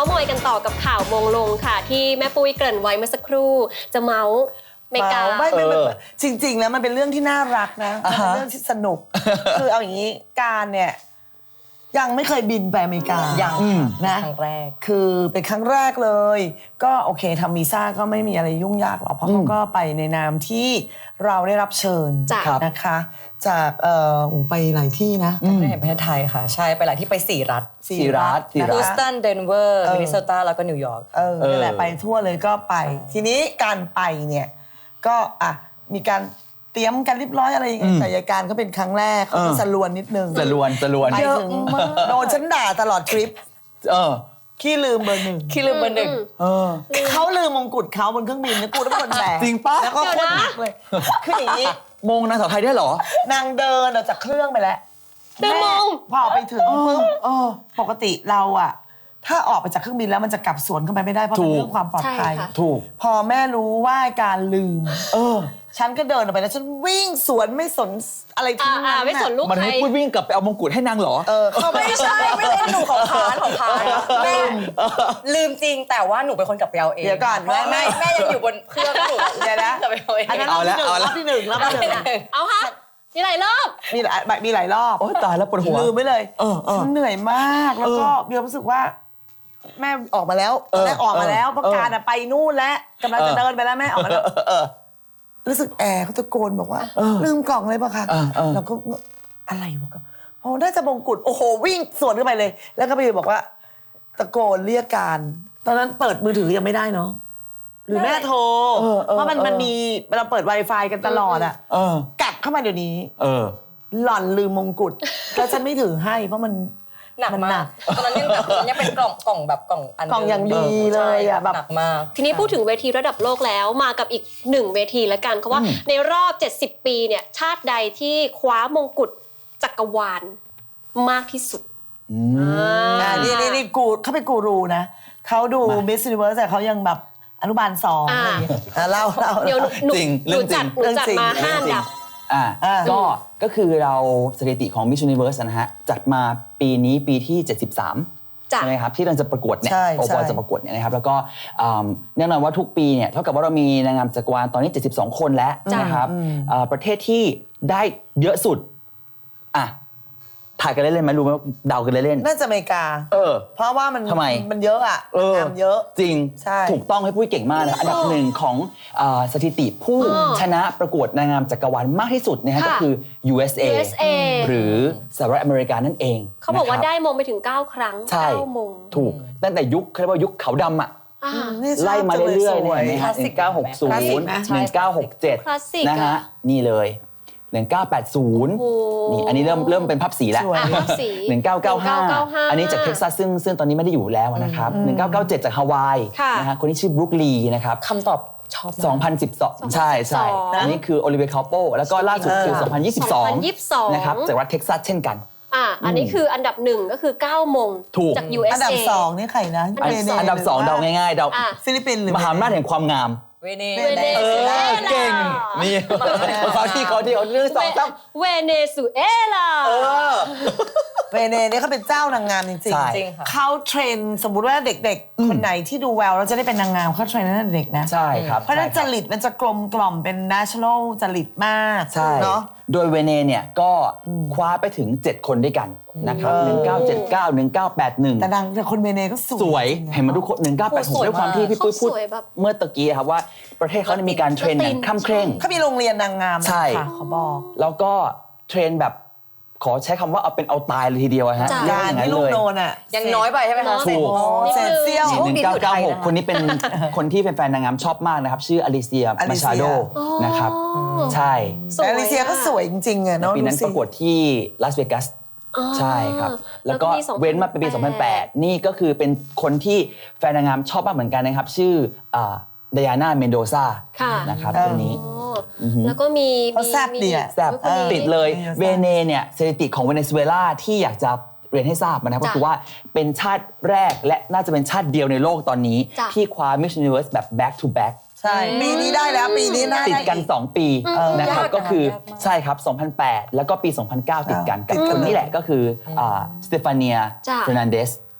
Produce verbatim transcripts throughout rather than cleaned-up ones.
ส์มอยกันต่อกับข่าวมงลงค่ะที่แม่ปุ้ยเกริ่นไว้เมื่อสักครู่จะเมาส์เมกาไม่ไม่จริงๆแล้วมันเป็นเรื่องที่น่ารักนะมันเป็นเรื่องที่สนุกคือเอาอย่างนี้การเนี่ยยังไม่เคยบินไปอเมริกายังนะครั้งแรกคือเป็นครั้งแรกเลยก็โอเคทำวีซ่าก็ไม่มีอะไรยุ่งยากหรอกเพราะเขาก็ไปในนามที่เราได้รับเชิญนะคะจากเอ่อไปหลายที่นะไม่เห็นประเทศไทยค่ะใช่ไปหลายที่ไปสี่รัฐสี่รัฐฮิวสตันเดนเวอร์มินนิโซตาแล้วก็นิวยอร์กเออนั่นแหละไปทั่วเลยก็ไปทีนี้การไปเนี่ยก็อ่ะมีการเตรียมกันเรียบร้อยอะไรอย่างเงี้ยแต่ยายการก็เป็นครั้งแรกเขาก็สะลวนนิดนึงสะลวนสะลวนไปถึงโดนฉันด่าตลอดทริปเออขี้ลืมเบอร์หนึ่งขี้ลืมเบอร์หนึ่งเขาลืมมงกุฎเขาบนเครื่องบินนะกูต้องเป็นคนแบกจริงปะแล้วก็โคตรหนักเลยคืออย่างนี้มงนางสาวไทยได้หรอนางเดินออกจากเครื่องไปแล้วเดินมงพอไปถึงปุ๊บปกติเราอะถ้าออกไปจากเครื่องบินแล้วมันจะกลับสวนเข้าไปไม่ได้เพราะเป็นเรื่องความปลอดภัยถูกพอแม่รู้ว่าการลืมเออฉันก็เดินออกไปแล้วฉันวิ่งสวนไม่สนอะไรทั้งนั้นไม่สนลูกใครมันให้พูดวิ่งกลับไปเอามงกุฎให้นางเหรอเออเขาไม่ใช่ไม่ได้หนูของพานของพานแม่ลืมจริงแต่ว่าหนูเป็นคนกลับไปเอาเองเดี๋ยวก่อนแม่แม่แม่ยังอยู่บนเครื่องหนูเดี๋ยวนะกลับไปเอาเองอันนั้นรอบที่หนึ่งรอบที่หนึ่งรอบที่หนึ่งเอาค่ะมีหลายรอบมีหลายมีหลายรอบโอ้ตายแล้วปวดหัวลืมไปเลยฉันเหนื่อยมากแล้วก็มีความรู้สึกว่าแม่ออกมาแล้วแม่ออกมาแล้วเพราะการไปนู่นแล้วกำลังจะเดินไปแล้วแม่ออกมาแล้วรู้สึกแอร์เขาตะโกนบอกว่าลืมกล่องเลยป่ะคะเราก็อะไรวะโอ้น่าจะมงกุฎโอ้โหวิ่งสวนขึ้นไปเลยแล้วก็ไปบอกว่าตะโกนเรียกการตอนนั้นเปิดมือถือยังไม่ได้เนาะหรือแม่โทรเพราะมันมันมีเราเปิด Wi-Fi กันตลอดอ่ะกลับเข้ามาเดี๋ยวนี้หล่อนลืมมงกุฎแล้วฉันไม่ถือให้เพราะมันหนักมากตอนนั้นยังแบบยังเป็นกล่องกล่องแบบกล่องอันกล่องอย่างดีเลยอ่ะแบบหนักมากทีนี้พูดถึงเวทีระดับโลกแล้วมากับอีกหนึ่งเวทีแล้วกันเพราะว่าในรอบเจ็ดสิบปีเนี่ยชาติใดที่คว้ามงกุฎจักรวาลมากที่สุดอ่านี่นี่นี่กูเขาเป็นกูรูนะเขาดู Miss Universe แต่เขายังแบบอนุบาลสองอะไรอย่างเงี้ยเล่าเล่าเดี๋ยวหนูหนูจัดหนูจัดมาห้าอันดับอ่าก็ก็คือเราสถิติของ Miss Universe นะฮะจัดมาปีนี้ปีที่เจ็ดสิบสามใช่ไหมครับที่เราจะประกวดเนี่ยโอปอจะประกวดเนี่ยนะครับแล้วก็แน่นอนว่าทุกปีเนี่ยเท่ากับว่าเรามีนางงามจักรวาลตอนนี้เจ็ดสิบสองคนแล้วนะครับประเทศที่ได้เยอะสุดอ่ะถ่ายกันเล่นๆไหมรู้ไหมเดากันเล่นๆน่าจะอเมริกาเออเพราะว่ามันทำไมมันเยอะอ่ะงามเยอะจริงถูกต้องให้ปุ้ยเก่งมากนะอันดับหนึ่งของสถิติผู้ชนะประกวดนางงามจักรวาลมากที่สุดนะฮะก็คือ ยู เอส เอ หรือสหรัฐอเมริกานั่นเองเขาบอกว่าได้มงไปถึงเก้าครั้งเก้ามงถูกตั้งแต่ยุคเขาเรียกว่ายุคขาวดำอ่ะไล่มาเรื่อยๆเนี่ยนะฮะหนึ่งเก้าหกศูนย์ หนึ่งเก้าหกเจ็ดนะฮะนี่เลยหนึ่งเก้าแปดศูนย์นี่อันนี้เริ่มเริ่มเป็นภาพสีแล้วหนึ่งเก้าเก้าห้าอันนี้จากเท็กซัสซึ่งซึ่งตอนนี้ไม่ได้อยู่แล้วนะครับหนึ่งเก้าเก้าเจ็ดจากฮาวายนะฮะคนที่ชื่อบรูคลีนะครับคำตอบชอบสองพันสิบสองใช่ใช่อันนี้คือโอลิเวียคาโปแล้วก็ล่าสุดคือสองพันยี่สิบสองนะครับจากรัฐเท็กซัสเช่นกันอ่าอันนี้คืออันดับหนึ่งก็คือเก้ามงจาก ยู เอส เออันดับสองนี่ใครนะอันดับสองเดาง่ายๆเดาฟิลิปปินส์หรือมหาอำนาจแห่งความงามเวเนซุเอลาเก่งนี่เขาที่เขาที่เขาเรื่องสองตั้งเวเนซุเอลาเวเนเนี่ยเขาเป็นเจ้านางงามจริงๆเขาเทรนสมมุติว่าเด็กๆคนไหนที่ดูแววแล้วจะได้เป็นนางงามเขาเทรนตั้งแต่เด็กนะใช่ครับเพราะนั้นจริตมันจะกลมกล่อมเป็น national จริตมากเนาะโดยเวเนเนี่ยก็คว้าไปถึงเจ็ดคนด้วยกันนะครับหนึ่งเก้าเจ็ดเก้า หนึ่งเก้าแปดหนึ่งแต่นางแต่คนเวเนก็สวยสวยเห็นมาทุกคนหนึ่งเก้าแปดหกด้วยความที่พี่ปุ้ยพูดเมื่อตะกี้ครับว่าประเทศเขามีการเทรนอย่างข้ามเคร่งเขามีโรงเรียนนางงามใช่เขาบอกแล้วก็เทรนแบบขอใช้คำว่าเอาเป็นเอาตายเลยทีเดียวฮะการที่ลูกโดนอ่ะยังน้อยไปใช่ไหมคะถูกเซนเซียลหนึ่งเก้าเก้าหกคนนี้เป็นคนที่แฟนๆนางงามชอบมากนะครับชื่ออลิเซียมาชาโดนะครับใช่แต่อลิเซียก็สวยจริงๆอ่ะเนาะปีนั้นประกวดที่ลาสเวกัสใช่ครับแล้วก็เว้นมาเป็นปีสองพันแปดนี่ก็คือเป็นคนที่แฟนนางงามชอบมากเหมือนกันนะครับชื่อไดอาน่าเมนโดซานะครับคนนี้แล้วก็มีแซ่บดีแซ่บติดเลยเวเนเนี่ยสถิติของเวเนซุเอลาที่อยากจะเรียนให้ทราบนะครับก็คือว่าเป็นชาติแรกและน่าจะเป็นชาติเดียวในโลกตอนนี้ที่คว้า Miss Universe แบบ back to back ใช่ปีนี้ได้แล้วปีนี้น่าติดกันสองปีนะครับก็คือใช่ครับสองพันแปดแล้วก็ปีสองพันเก้าติดกันกับคนนี้แหละก็คือสเตฟาเนียเฟอร์นันเดส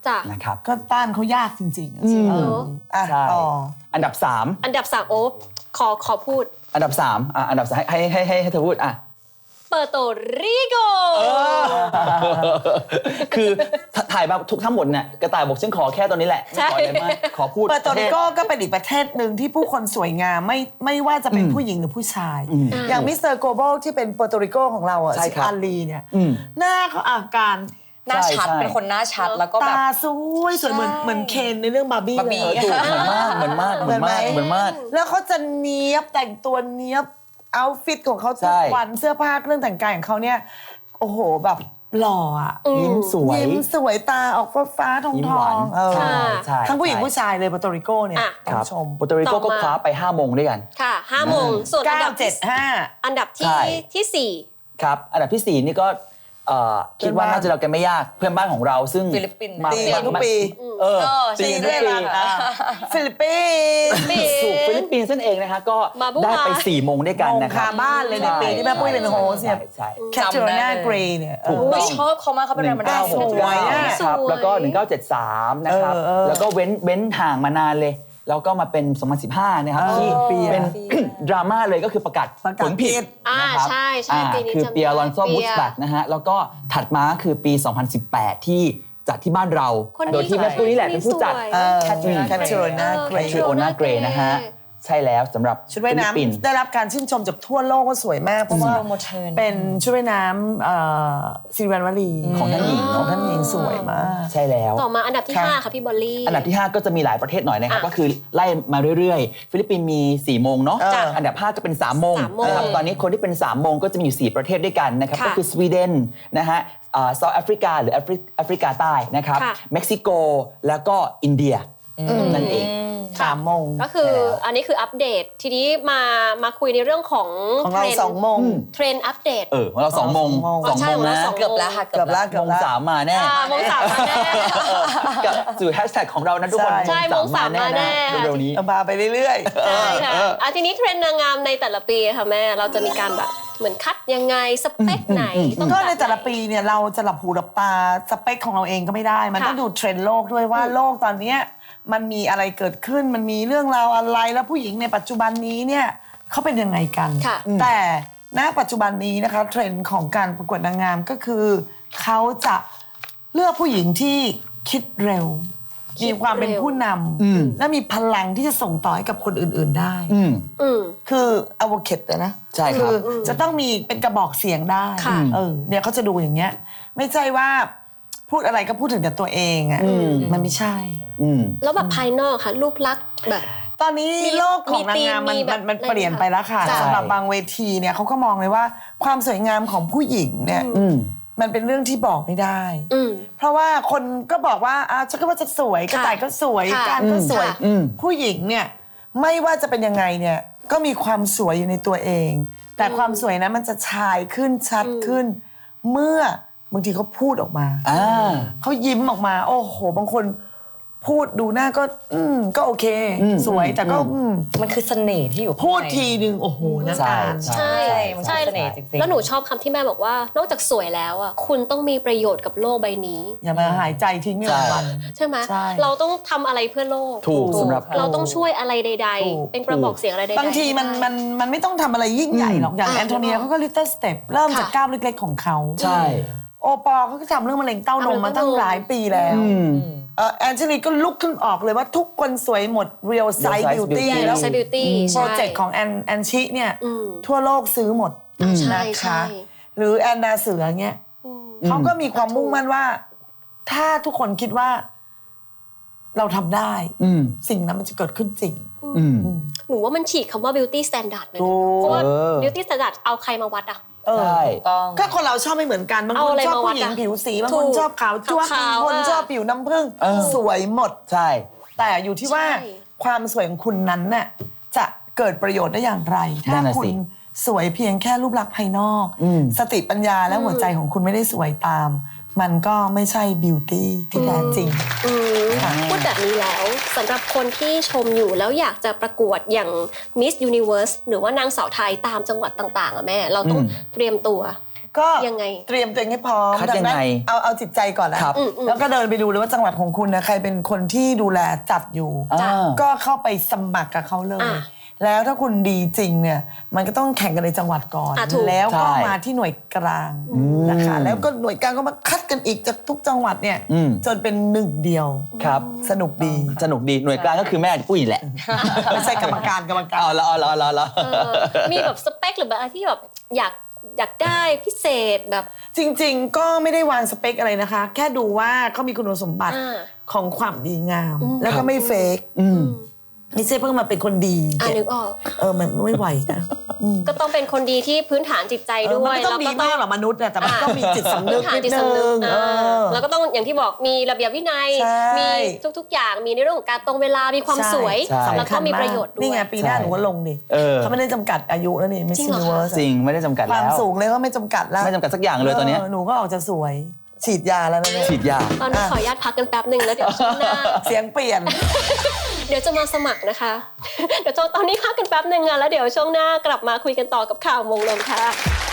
จ้ะนะครับก็ต้านเขายากจริงๆอืมเอออ่ะใช่ต่ออันดับสามอันดับสามโอ๊บขอขอพูดอันดับสามอ่ะอันดับสามให้ให้ให้ให้เธอพูดอ่ะเปอร์โตริโกคือถถ่ายมาทุกทั้งหมดเนี่ยกระต่ายบอกฉันขอแค่ตอนนี้แหละไม่ขออะไรมากขอพูดเปอร์โตริโกประเทศก็เป็นอีกประเทศหนึ่งที่ผู้คนสวยงามไม่ไม่ว่าจะเป็นผู้หญิงหรือผู้ชาย อย่างมิสเตอร์โกลบอลที่เป็นเปอร์โตริโกของเราอ่ะใช่ครับอาลีเนี่ยอืมหน้าเขาอาการหน้าชัดใช่เป็นคนหน้าชัดแล้วก็แบบตาสวยสวยเหมือนใช่เหมือนเคนในเรื่องบาร์บี้บาร์บี้เลยถูกเหมือนมากเหมือนมากเหมือนมากเหมือนมากแล้วเขาจะเนี้ยบแต่งตัวเนี้ยบเอาฟิตของเขาทุใช่กวันเสื้อผ้าเครื่องแต่งกายของเขาเนี่ยโอ้โหแบบหล่ออ่ะยิ้มสวยยิ้มสวยตาออกฟ้าฟ้าๆทองยิ้มทหอวานงเออใช่ใช่ทั้งผู้หญิงใช่ผู้ชายเลยเปอร์โตริโกเนี่ยอ่ะต้อคงรับชมโปรโตริโกต่ก็อมาคว้าไปห้าโมงด้วยกันค่ะห้าโมงส่วนอันเก้าดับเจ็ดห้าอันดับใช่ที่ที่สี่ครับ อันดับที่สี่นี่ก็เอ่อคิดว่าเพื่อนบ้านน่าจะเรากันไม่ยากเพื่อนบ้านของเราซึ่งฟิลิปปินส์มาตีกันทุกปีเออเออตีตีกันทุด้วยกปีรังอ่ะฟิลิปปินส์ปีถูกฟิลิปปินส์นั่นเองนะคะก็มาบูได้ไปฮาสี่โมงด้วยกันมงนะครับคาบ้านเลยในปีที่แม่ปุ้ยเป็นโฮสเนี่ยใช่แคทเธอรีนาเกรย์เนี่ยเออไม่ชอบเขามากเขาเป็นแรงบันดาลใจสวยอะครับแล้วก็หนึ่งเก้าเจ็ดสามนะครับเออเออแล้วก็เว้นเว้นห่างมานานเลย แล้วก็มาเป็นสองพันสิบห้านะครับเออที่เปียเป็น ดราม่าเลยก็คือประกาศประกาศผลผิผิดดอ่านะครับใช่ใช่อ่าปีนี้คือจำได้เปียร์ลอนโซเปียบูสบัตนะฮะแล้วก็ถัดมาคือปี สองพันสิบแปด ที่จัดที่บ้านเราคนนี้โดยที่แม่ปุ้ยนี่แหละเป็นผู้จัดสวยเออแคทเธอรีนาแคทเธอรีนาเกรเออย์ชื่อโอนาเกรนะฮะใช่แล้วสำหรับชุดว่ายฟิลิปปินส์น้ำได้รับการชื่นชมจากทั่วโลกว่าสวยมาก เพราะว่าโปรโมชั่นเป็นชุดว่ายน้ำเอ่อซิริวันวลีของท่านหญิงของท่านหญิงสวยมากใช่แล้วต่อมาอันดับที่ค่ะห้าค่ะพี่บอลลี่อันดับที่ ห้า ก็จะมีหลายประเทศหน่อยนะครับอ่ะก็คือไล่มาเรื่อยๆ ฟิลิปปินส์มี สี่ โมงเนาะจ้ะอันดับ ห้า ก็เป็น สาม โมงสามโมงนะครับตอนนี้คนที่เป็น สาม โมงก็จะมีอยู่ สี่ ประเทศด้วยกันนะครับค่ะก็คือสวีเดนนะฮะเซาท์แอฟริกาหรือแอฟริแอฟริกาใต้นะครับค่ะเม็กซิโกแล้วก็อินเดียนั่นเองสามโมงก็คืออันนี้คืออัปเดต ทีนี้มามาคุยในเรื่องของของเราทนด์สองโมงเทรนด์อัปเดตเออของเรา สอง โมงอ๋อสองใช่โมงของเรานะสองเกือบแล้วค่ะเกือบละเกืโมอบงละสามมาแน่อ่าโมงสามมาแน่กับสู่แฮชแท็กของเรานะทุกคนใช่โมงสามมาแน่นะเร็วๆนี้เอามาไปเรื่อยใช่ค่ะอ่ะทีนี้เทรนด์นางงามในแต่ละปีค่ะแม่ เราจะมีการแบบเหมือนคัดยังไงสเปคไหนต้องๆ ก็บบในแต่ละไหปีเนี่ยเราจะหลับหูหลับตาสเปคของเราเองก็ไม่ได้ มันค่ะต้องดูเทรนด์โลกด้วยว่าโลกตอนเนี้ยมันมีอะไรเกิดขึ้น มันมีเรื่องราวอะไรแล้วผู้หญิงในปัจจุบันนี้เนี่ยเขาเป็นยังไงกันค่ะแต่ณปัจจุบันนี้นะคะเทรนด์ของการประกวดนางงามก็คือเขาจะเลือกผู้หญิงที่คิดเร็วคิดมีความเป็นเร็วผู้นำและมีพลังที่จะส่งต่อให้กับคนอื่น ๆได้อืมอืมคืออ v o c a t e นะใช่ครับอจะต้องมีเป็นกระบอกเสียงได้ค่ะเออเนี่ยเขาจะดูอย่างเงี้ย ไม่ใช่ว่าพูดอะไรก็พูดถึงแต่ตัวเองอ่ะมันไม่ใช่อืมแล้วแบบภายนอกค่ะ รูปลักษณ์แบบตอนนี้มีโลกของนางงามมันมีธีมมีแบบมันมันอะไรเปลี่ยนไปแล้วค่ะใช่สำหรับบางเวทีเนี่ยเขาก็มองเลยว่าความสวยงามของผู้หญิงเนี่ยอืมมันเป็นเรื่องที่บอกไม่ได้อืมเพราะว่าคนก็บอกว่าอ่ะฉันก็ว่าจะสวยกระต่ายก็สวยค่ะการก็สวยค่ะอืมผู้หญิงเนี่ยไม่ว่าจะเป็นยังไงเนี่ยก็มีความสวยอยู่ในตัวเอง แต่ความสวยนั้นมันจะชายขึ้นชัดขึ้น เมื่อบางทีเขาพูดออกมาอ่าเขายิ้มออกมา โอ้โห บางคนพูดดูหน้าก็ อืมก็โอเคอืมสวยแต่ก็อืมมันคือเสน่ห์ที่อยู่ข้างในพูดทีนึงโอ้โหหน้าใช่ตาใช่ใช่มันคือเสน่ห์จริงๆแล้วหนูชอบคำที่แม่บอกว่า นอกจากสวยแล้วอ่ะคุณต้องมีประโยชน์กับโลกใบนี้อย่ามาหายใจทิ้งไม่วันวันใช่ไหมใช่เราต้องทำอะไรเพื่อโลกถูกสำหรับเราต้องช่วยอะไรใดถูกๆ เป็นกระบอกเสียงอะไรใดๆบางทีมันมันมันไม่ต้องทำอะไรยิ่งใหญ่หรอก อย่างอ่ะแอนโทเนียเขาก็ลิตเติ้ลสเต็ปเริ่มจากค่ะก้าวเล็กๆของเขาใช่โอปอล์เขาก็ทำเรื่องมะเร็งเต้านมมาตั้งหลายปีแล้วอืมเอ่อแอนเจลีก็ลุกขึ้นออกเลยว่าทุกคนสวยหมด Real Size Size Beauty Beauty แล้วใช้ beauty โปรเจกต์ของแอนแอนชิเนี่ยอืมทั่วโลกซื้อหมดใช่นะใช่คะ หรือแอนนาเสือเงี้ยเขาก็มีความมุ่งมั่นว่า ถ้าทุกคนคิดว่า เราทำได้อืมสิ่งนั้นมันจะเกิดขึ้นจริงอืมหนูว่ามันฉีกคำว่า beauty standard เลยถูนะกเพราะว่าเออ beauty standard เอาใครมาวัดอะเออใช่ต้องก็คนเราชอบไม่เหมือนกัน บางเอาคนอะไรชอบมาวัดผู้หญิงอะผิวสีบางถูคนกชอบขาวจ้วงขาวบางคนอะชอบผิวน้ำผึ้งเออสวยหมดใช่แต่อยู่ที่ว่าใช่ความสวยของคุณนั้นน่ะจะเกิดประโยชน์ได้อย่างไรนั่ถ้านน่ะคุสิณสวยเพียงแค่รูปลักษณ์ภายนอกอืมสติปัญญาและหัวใจของคุณไม่ได้สวยตาม มันก็ไม่ใช่บิวตี้ที่แท้จริงอืมพูดแบบนี้แล้วสำหรับคนที่ชมอยู่แล้วอยากจะประกวดอย่าง Miss Universe หรือว่านางสาวไทยตามจังหวัดต่างๆอะแม่ เราต้องอืมเตรียมตัวก็ยังไงเตรียมตัวเองให้พร้อมคัดดัยังไงนั้นเอาเอาจิตใจก่อนนะครับ แล้วก็เดินไปดูเลยว่าจังหวัดของคุณนะใครเป็นคนที่ดูแลจัดอยู่อ่าก็เข้าไปสมัครกับเขาเลยอ่ะแล้วถ้าคุณดีจริงเนี่ยมันก็ต้องแข่งกันในจังหวัดก่อนอ่ะถูกแล้วก็ใช่มาที่หน่วยกลางนะคะแล้วก็หน่วยกลางก็มาคัดกันอีกจากทุกจังหวัดเนี่ยอืมจนเป็นหนึ่งเดียวครับสนุกดีสนุกดีหน่วยกลางก็คือแม่ปุ้ยแหละไม่ใช่กรรมการกรรมการเอาละเอาละเอาละเอาละเออมีแบบสเปคหรือแบบอะไรที่แบบอยากอยากได้พิเศษแบบจริงๆ ก็ไม่ได้วางสเปคอะไรนะคะ แค่ดูว่าเขามีคุณสมบัติอ่าของความดีงาม แล้วก็ไม่เฟกอืมไม่ใช่เพิ่งมาเป็นคนดีอ่านึกออกเออมันไม่ไหวนะก็ต้องเป็นคนดีที่พื้นฐานจิตใจเออด้มัวน ยไม่ต้องดีมากหรอกมนุษย์นะแต่มันต้องมีจิตสำนึพื้กนฐานนิดจิตนึสำนึกงเออ่าอแล้วก็ต้องอย่างที่บอกมีระเบียบวินัยใช่มีทุกๆ อย่างมีในเรื่องของการตรงเวลามีความสวยใช่แล้วก็มีประโยชน์ด้วยนี่ไงปีหน้าใช่หนูก็ลงดิเออเขาไม่ได้จำกัดอายุแล้วนี่ไม่จริใช่งเหรอคะเวิร์สจริงไม่ได้จำกัดความแล้วสูงเลยก็ไม่จำกัดแล้วไม่จำกัดสักอย่างเลยตอนเนี้ยหนูก็ออกจะสวย ฉีดยาแล้วนะเนี่ยฉีดยาตอนนี้ขออนุญาตพักกันแป๊บหนึ่งแล้วเดี๋ยวช่วงหน้าเสียงเปลี่ยนเดี๋ยวจะมาสมัครนะคะ เดี๋ยวตอนนี้พักกันแป๊บหนึ่งอะแล้วเดี๋ยวช่วงหน้ากลับมาคุยกันต่อกับข่าวมงลงค่ะ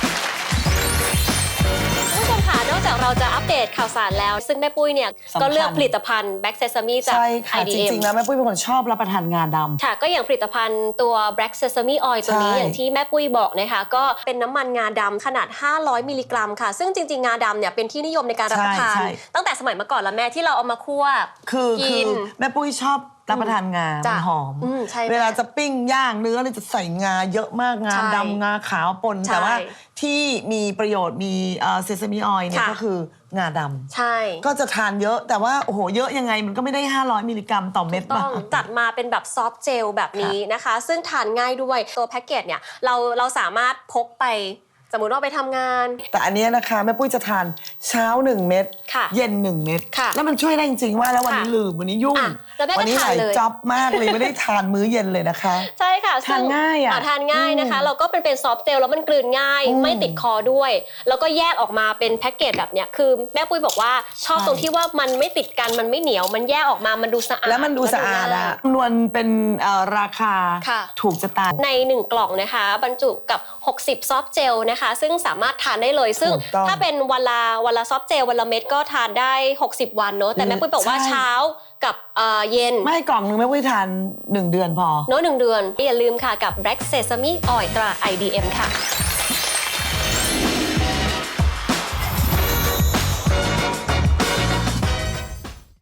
คุณผู้ชมค่ะนอกจากเราจะอัปเดตข่าวสารแล้ว ซึ่งแม่ปุ้ยเนี่ยสำคัญก็เลือกผลิตภัณฑ์ Black Sesame จากใช่ค่ะไอจดี เอ็มริงๆแล้วแม่ปุ้ยเป็นคนชอบรับประทานงาดำค่ะก็อย่างผลิตภัณฑ์ตัว Black Sesame Oil ตัวนี้ใช่อย่างที่แม่ปุ้ยบอกนะคะก็เป็นน้ำมันงาดำขนาดห้าร้อยมิลลิกรัมค่ะ ซึ่งจริงๆ งาดำเนี่ยเป็นที่นิยมในการรับประทานใช่ใช่ตั้งแต่สมัยเมื่อก่อนแล้วแม่ที่เราเอามาคั่วคือคืกิอน แม่ปุ้ยชอบรับประทานงาจ้ะมันหอมอืมใช่เวลาจะปิ้งย่างเนื้อเนี่ยจะใส่งาเยอะมากงาใช่ดำงาขาวปนใช่แต่ว่าที่มีประโยชน์มีเซซามิออยเนี่ยค่ะก็คืองาดำใช่ก็จะทานเยอะแต่ว่าโอ้โหเยอะยังไงมันก็ไม่ได้ ห้าร้อยมิลลิกรัมต่อเม็ดต้ป่ะองจัดมาเป็นแบบซอฟต์เจลแบบนี้นะคะ ซึ่งทานง่ายด้วยตัวแพ็กเกจเนี่ยเราเราสามารถพกไปสมมุติว่าไปทำงานแต่อันเนี้ยนะคะแม่ปุ้ยจะทานเช้าหนึ่งเม็ดค่ะเย็นหนึ่งเม็ดค่ะแล้วมันช่วยได้จริงๆว่าแล้ววันนี้ค่ะลืมวันนี้ยุ่งอ่ะแล้วแม่ก็วันี้ทาหนลายเลยจ็อบมากเลยไม่ได้ทานมื้อเย็นเลยนะคะใช่ค่ะทานง่ายอะซึ่ทานง่ายนะคะอืมเราก็เป็นเป็นซอฟต์เจลแล้วมันกลืนง่ายอืมไม่ติดคอด้วย แล้วก็แยกออกมาเป็นแพ็กเกจแบบเนี้ยคือแม่ปุ้ยบอกว่าชอบใช่ตรงที่ว่ามันไม่ติดกันมันไม่เหนียว มันแยกออกมามันดูสะอาดแล้วมันดูสะอาดแลอะง่ยนวลเป็นเอ่อราคาค่ะถูกจะตายในหนึ่งกล่องนะคะบรรจุกับหกสิบซอฟต์เจลนะคะ ซึ่งสามารถทานได้เลย ซึ่งถูกต้องถ้าเป็นวันละวันละซอฟต์เจลวันละเม็ดก็ทานได้หกสิบวันเนอะแต่แม่ปุ้ยบอกว่าใช่เช้ากับเอ่อเย็นไม่กล่องนึงไม่ปุ้ยทานหนึ่งเดือนพอเนอะหนึ่งเดือนอย่าลืมค่ะกับ Black Sesame Oil ตรา ไอ ดี เอ็ม ค่ะ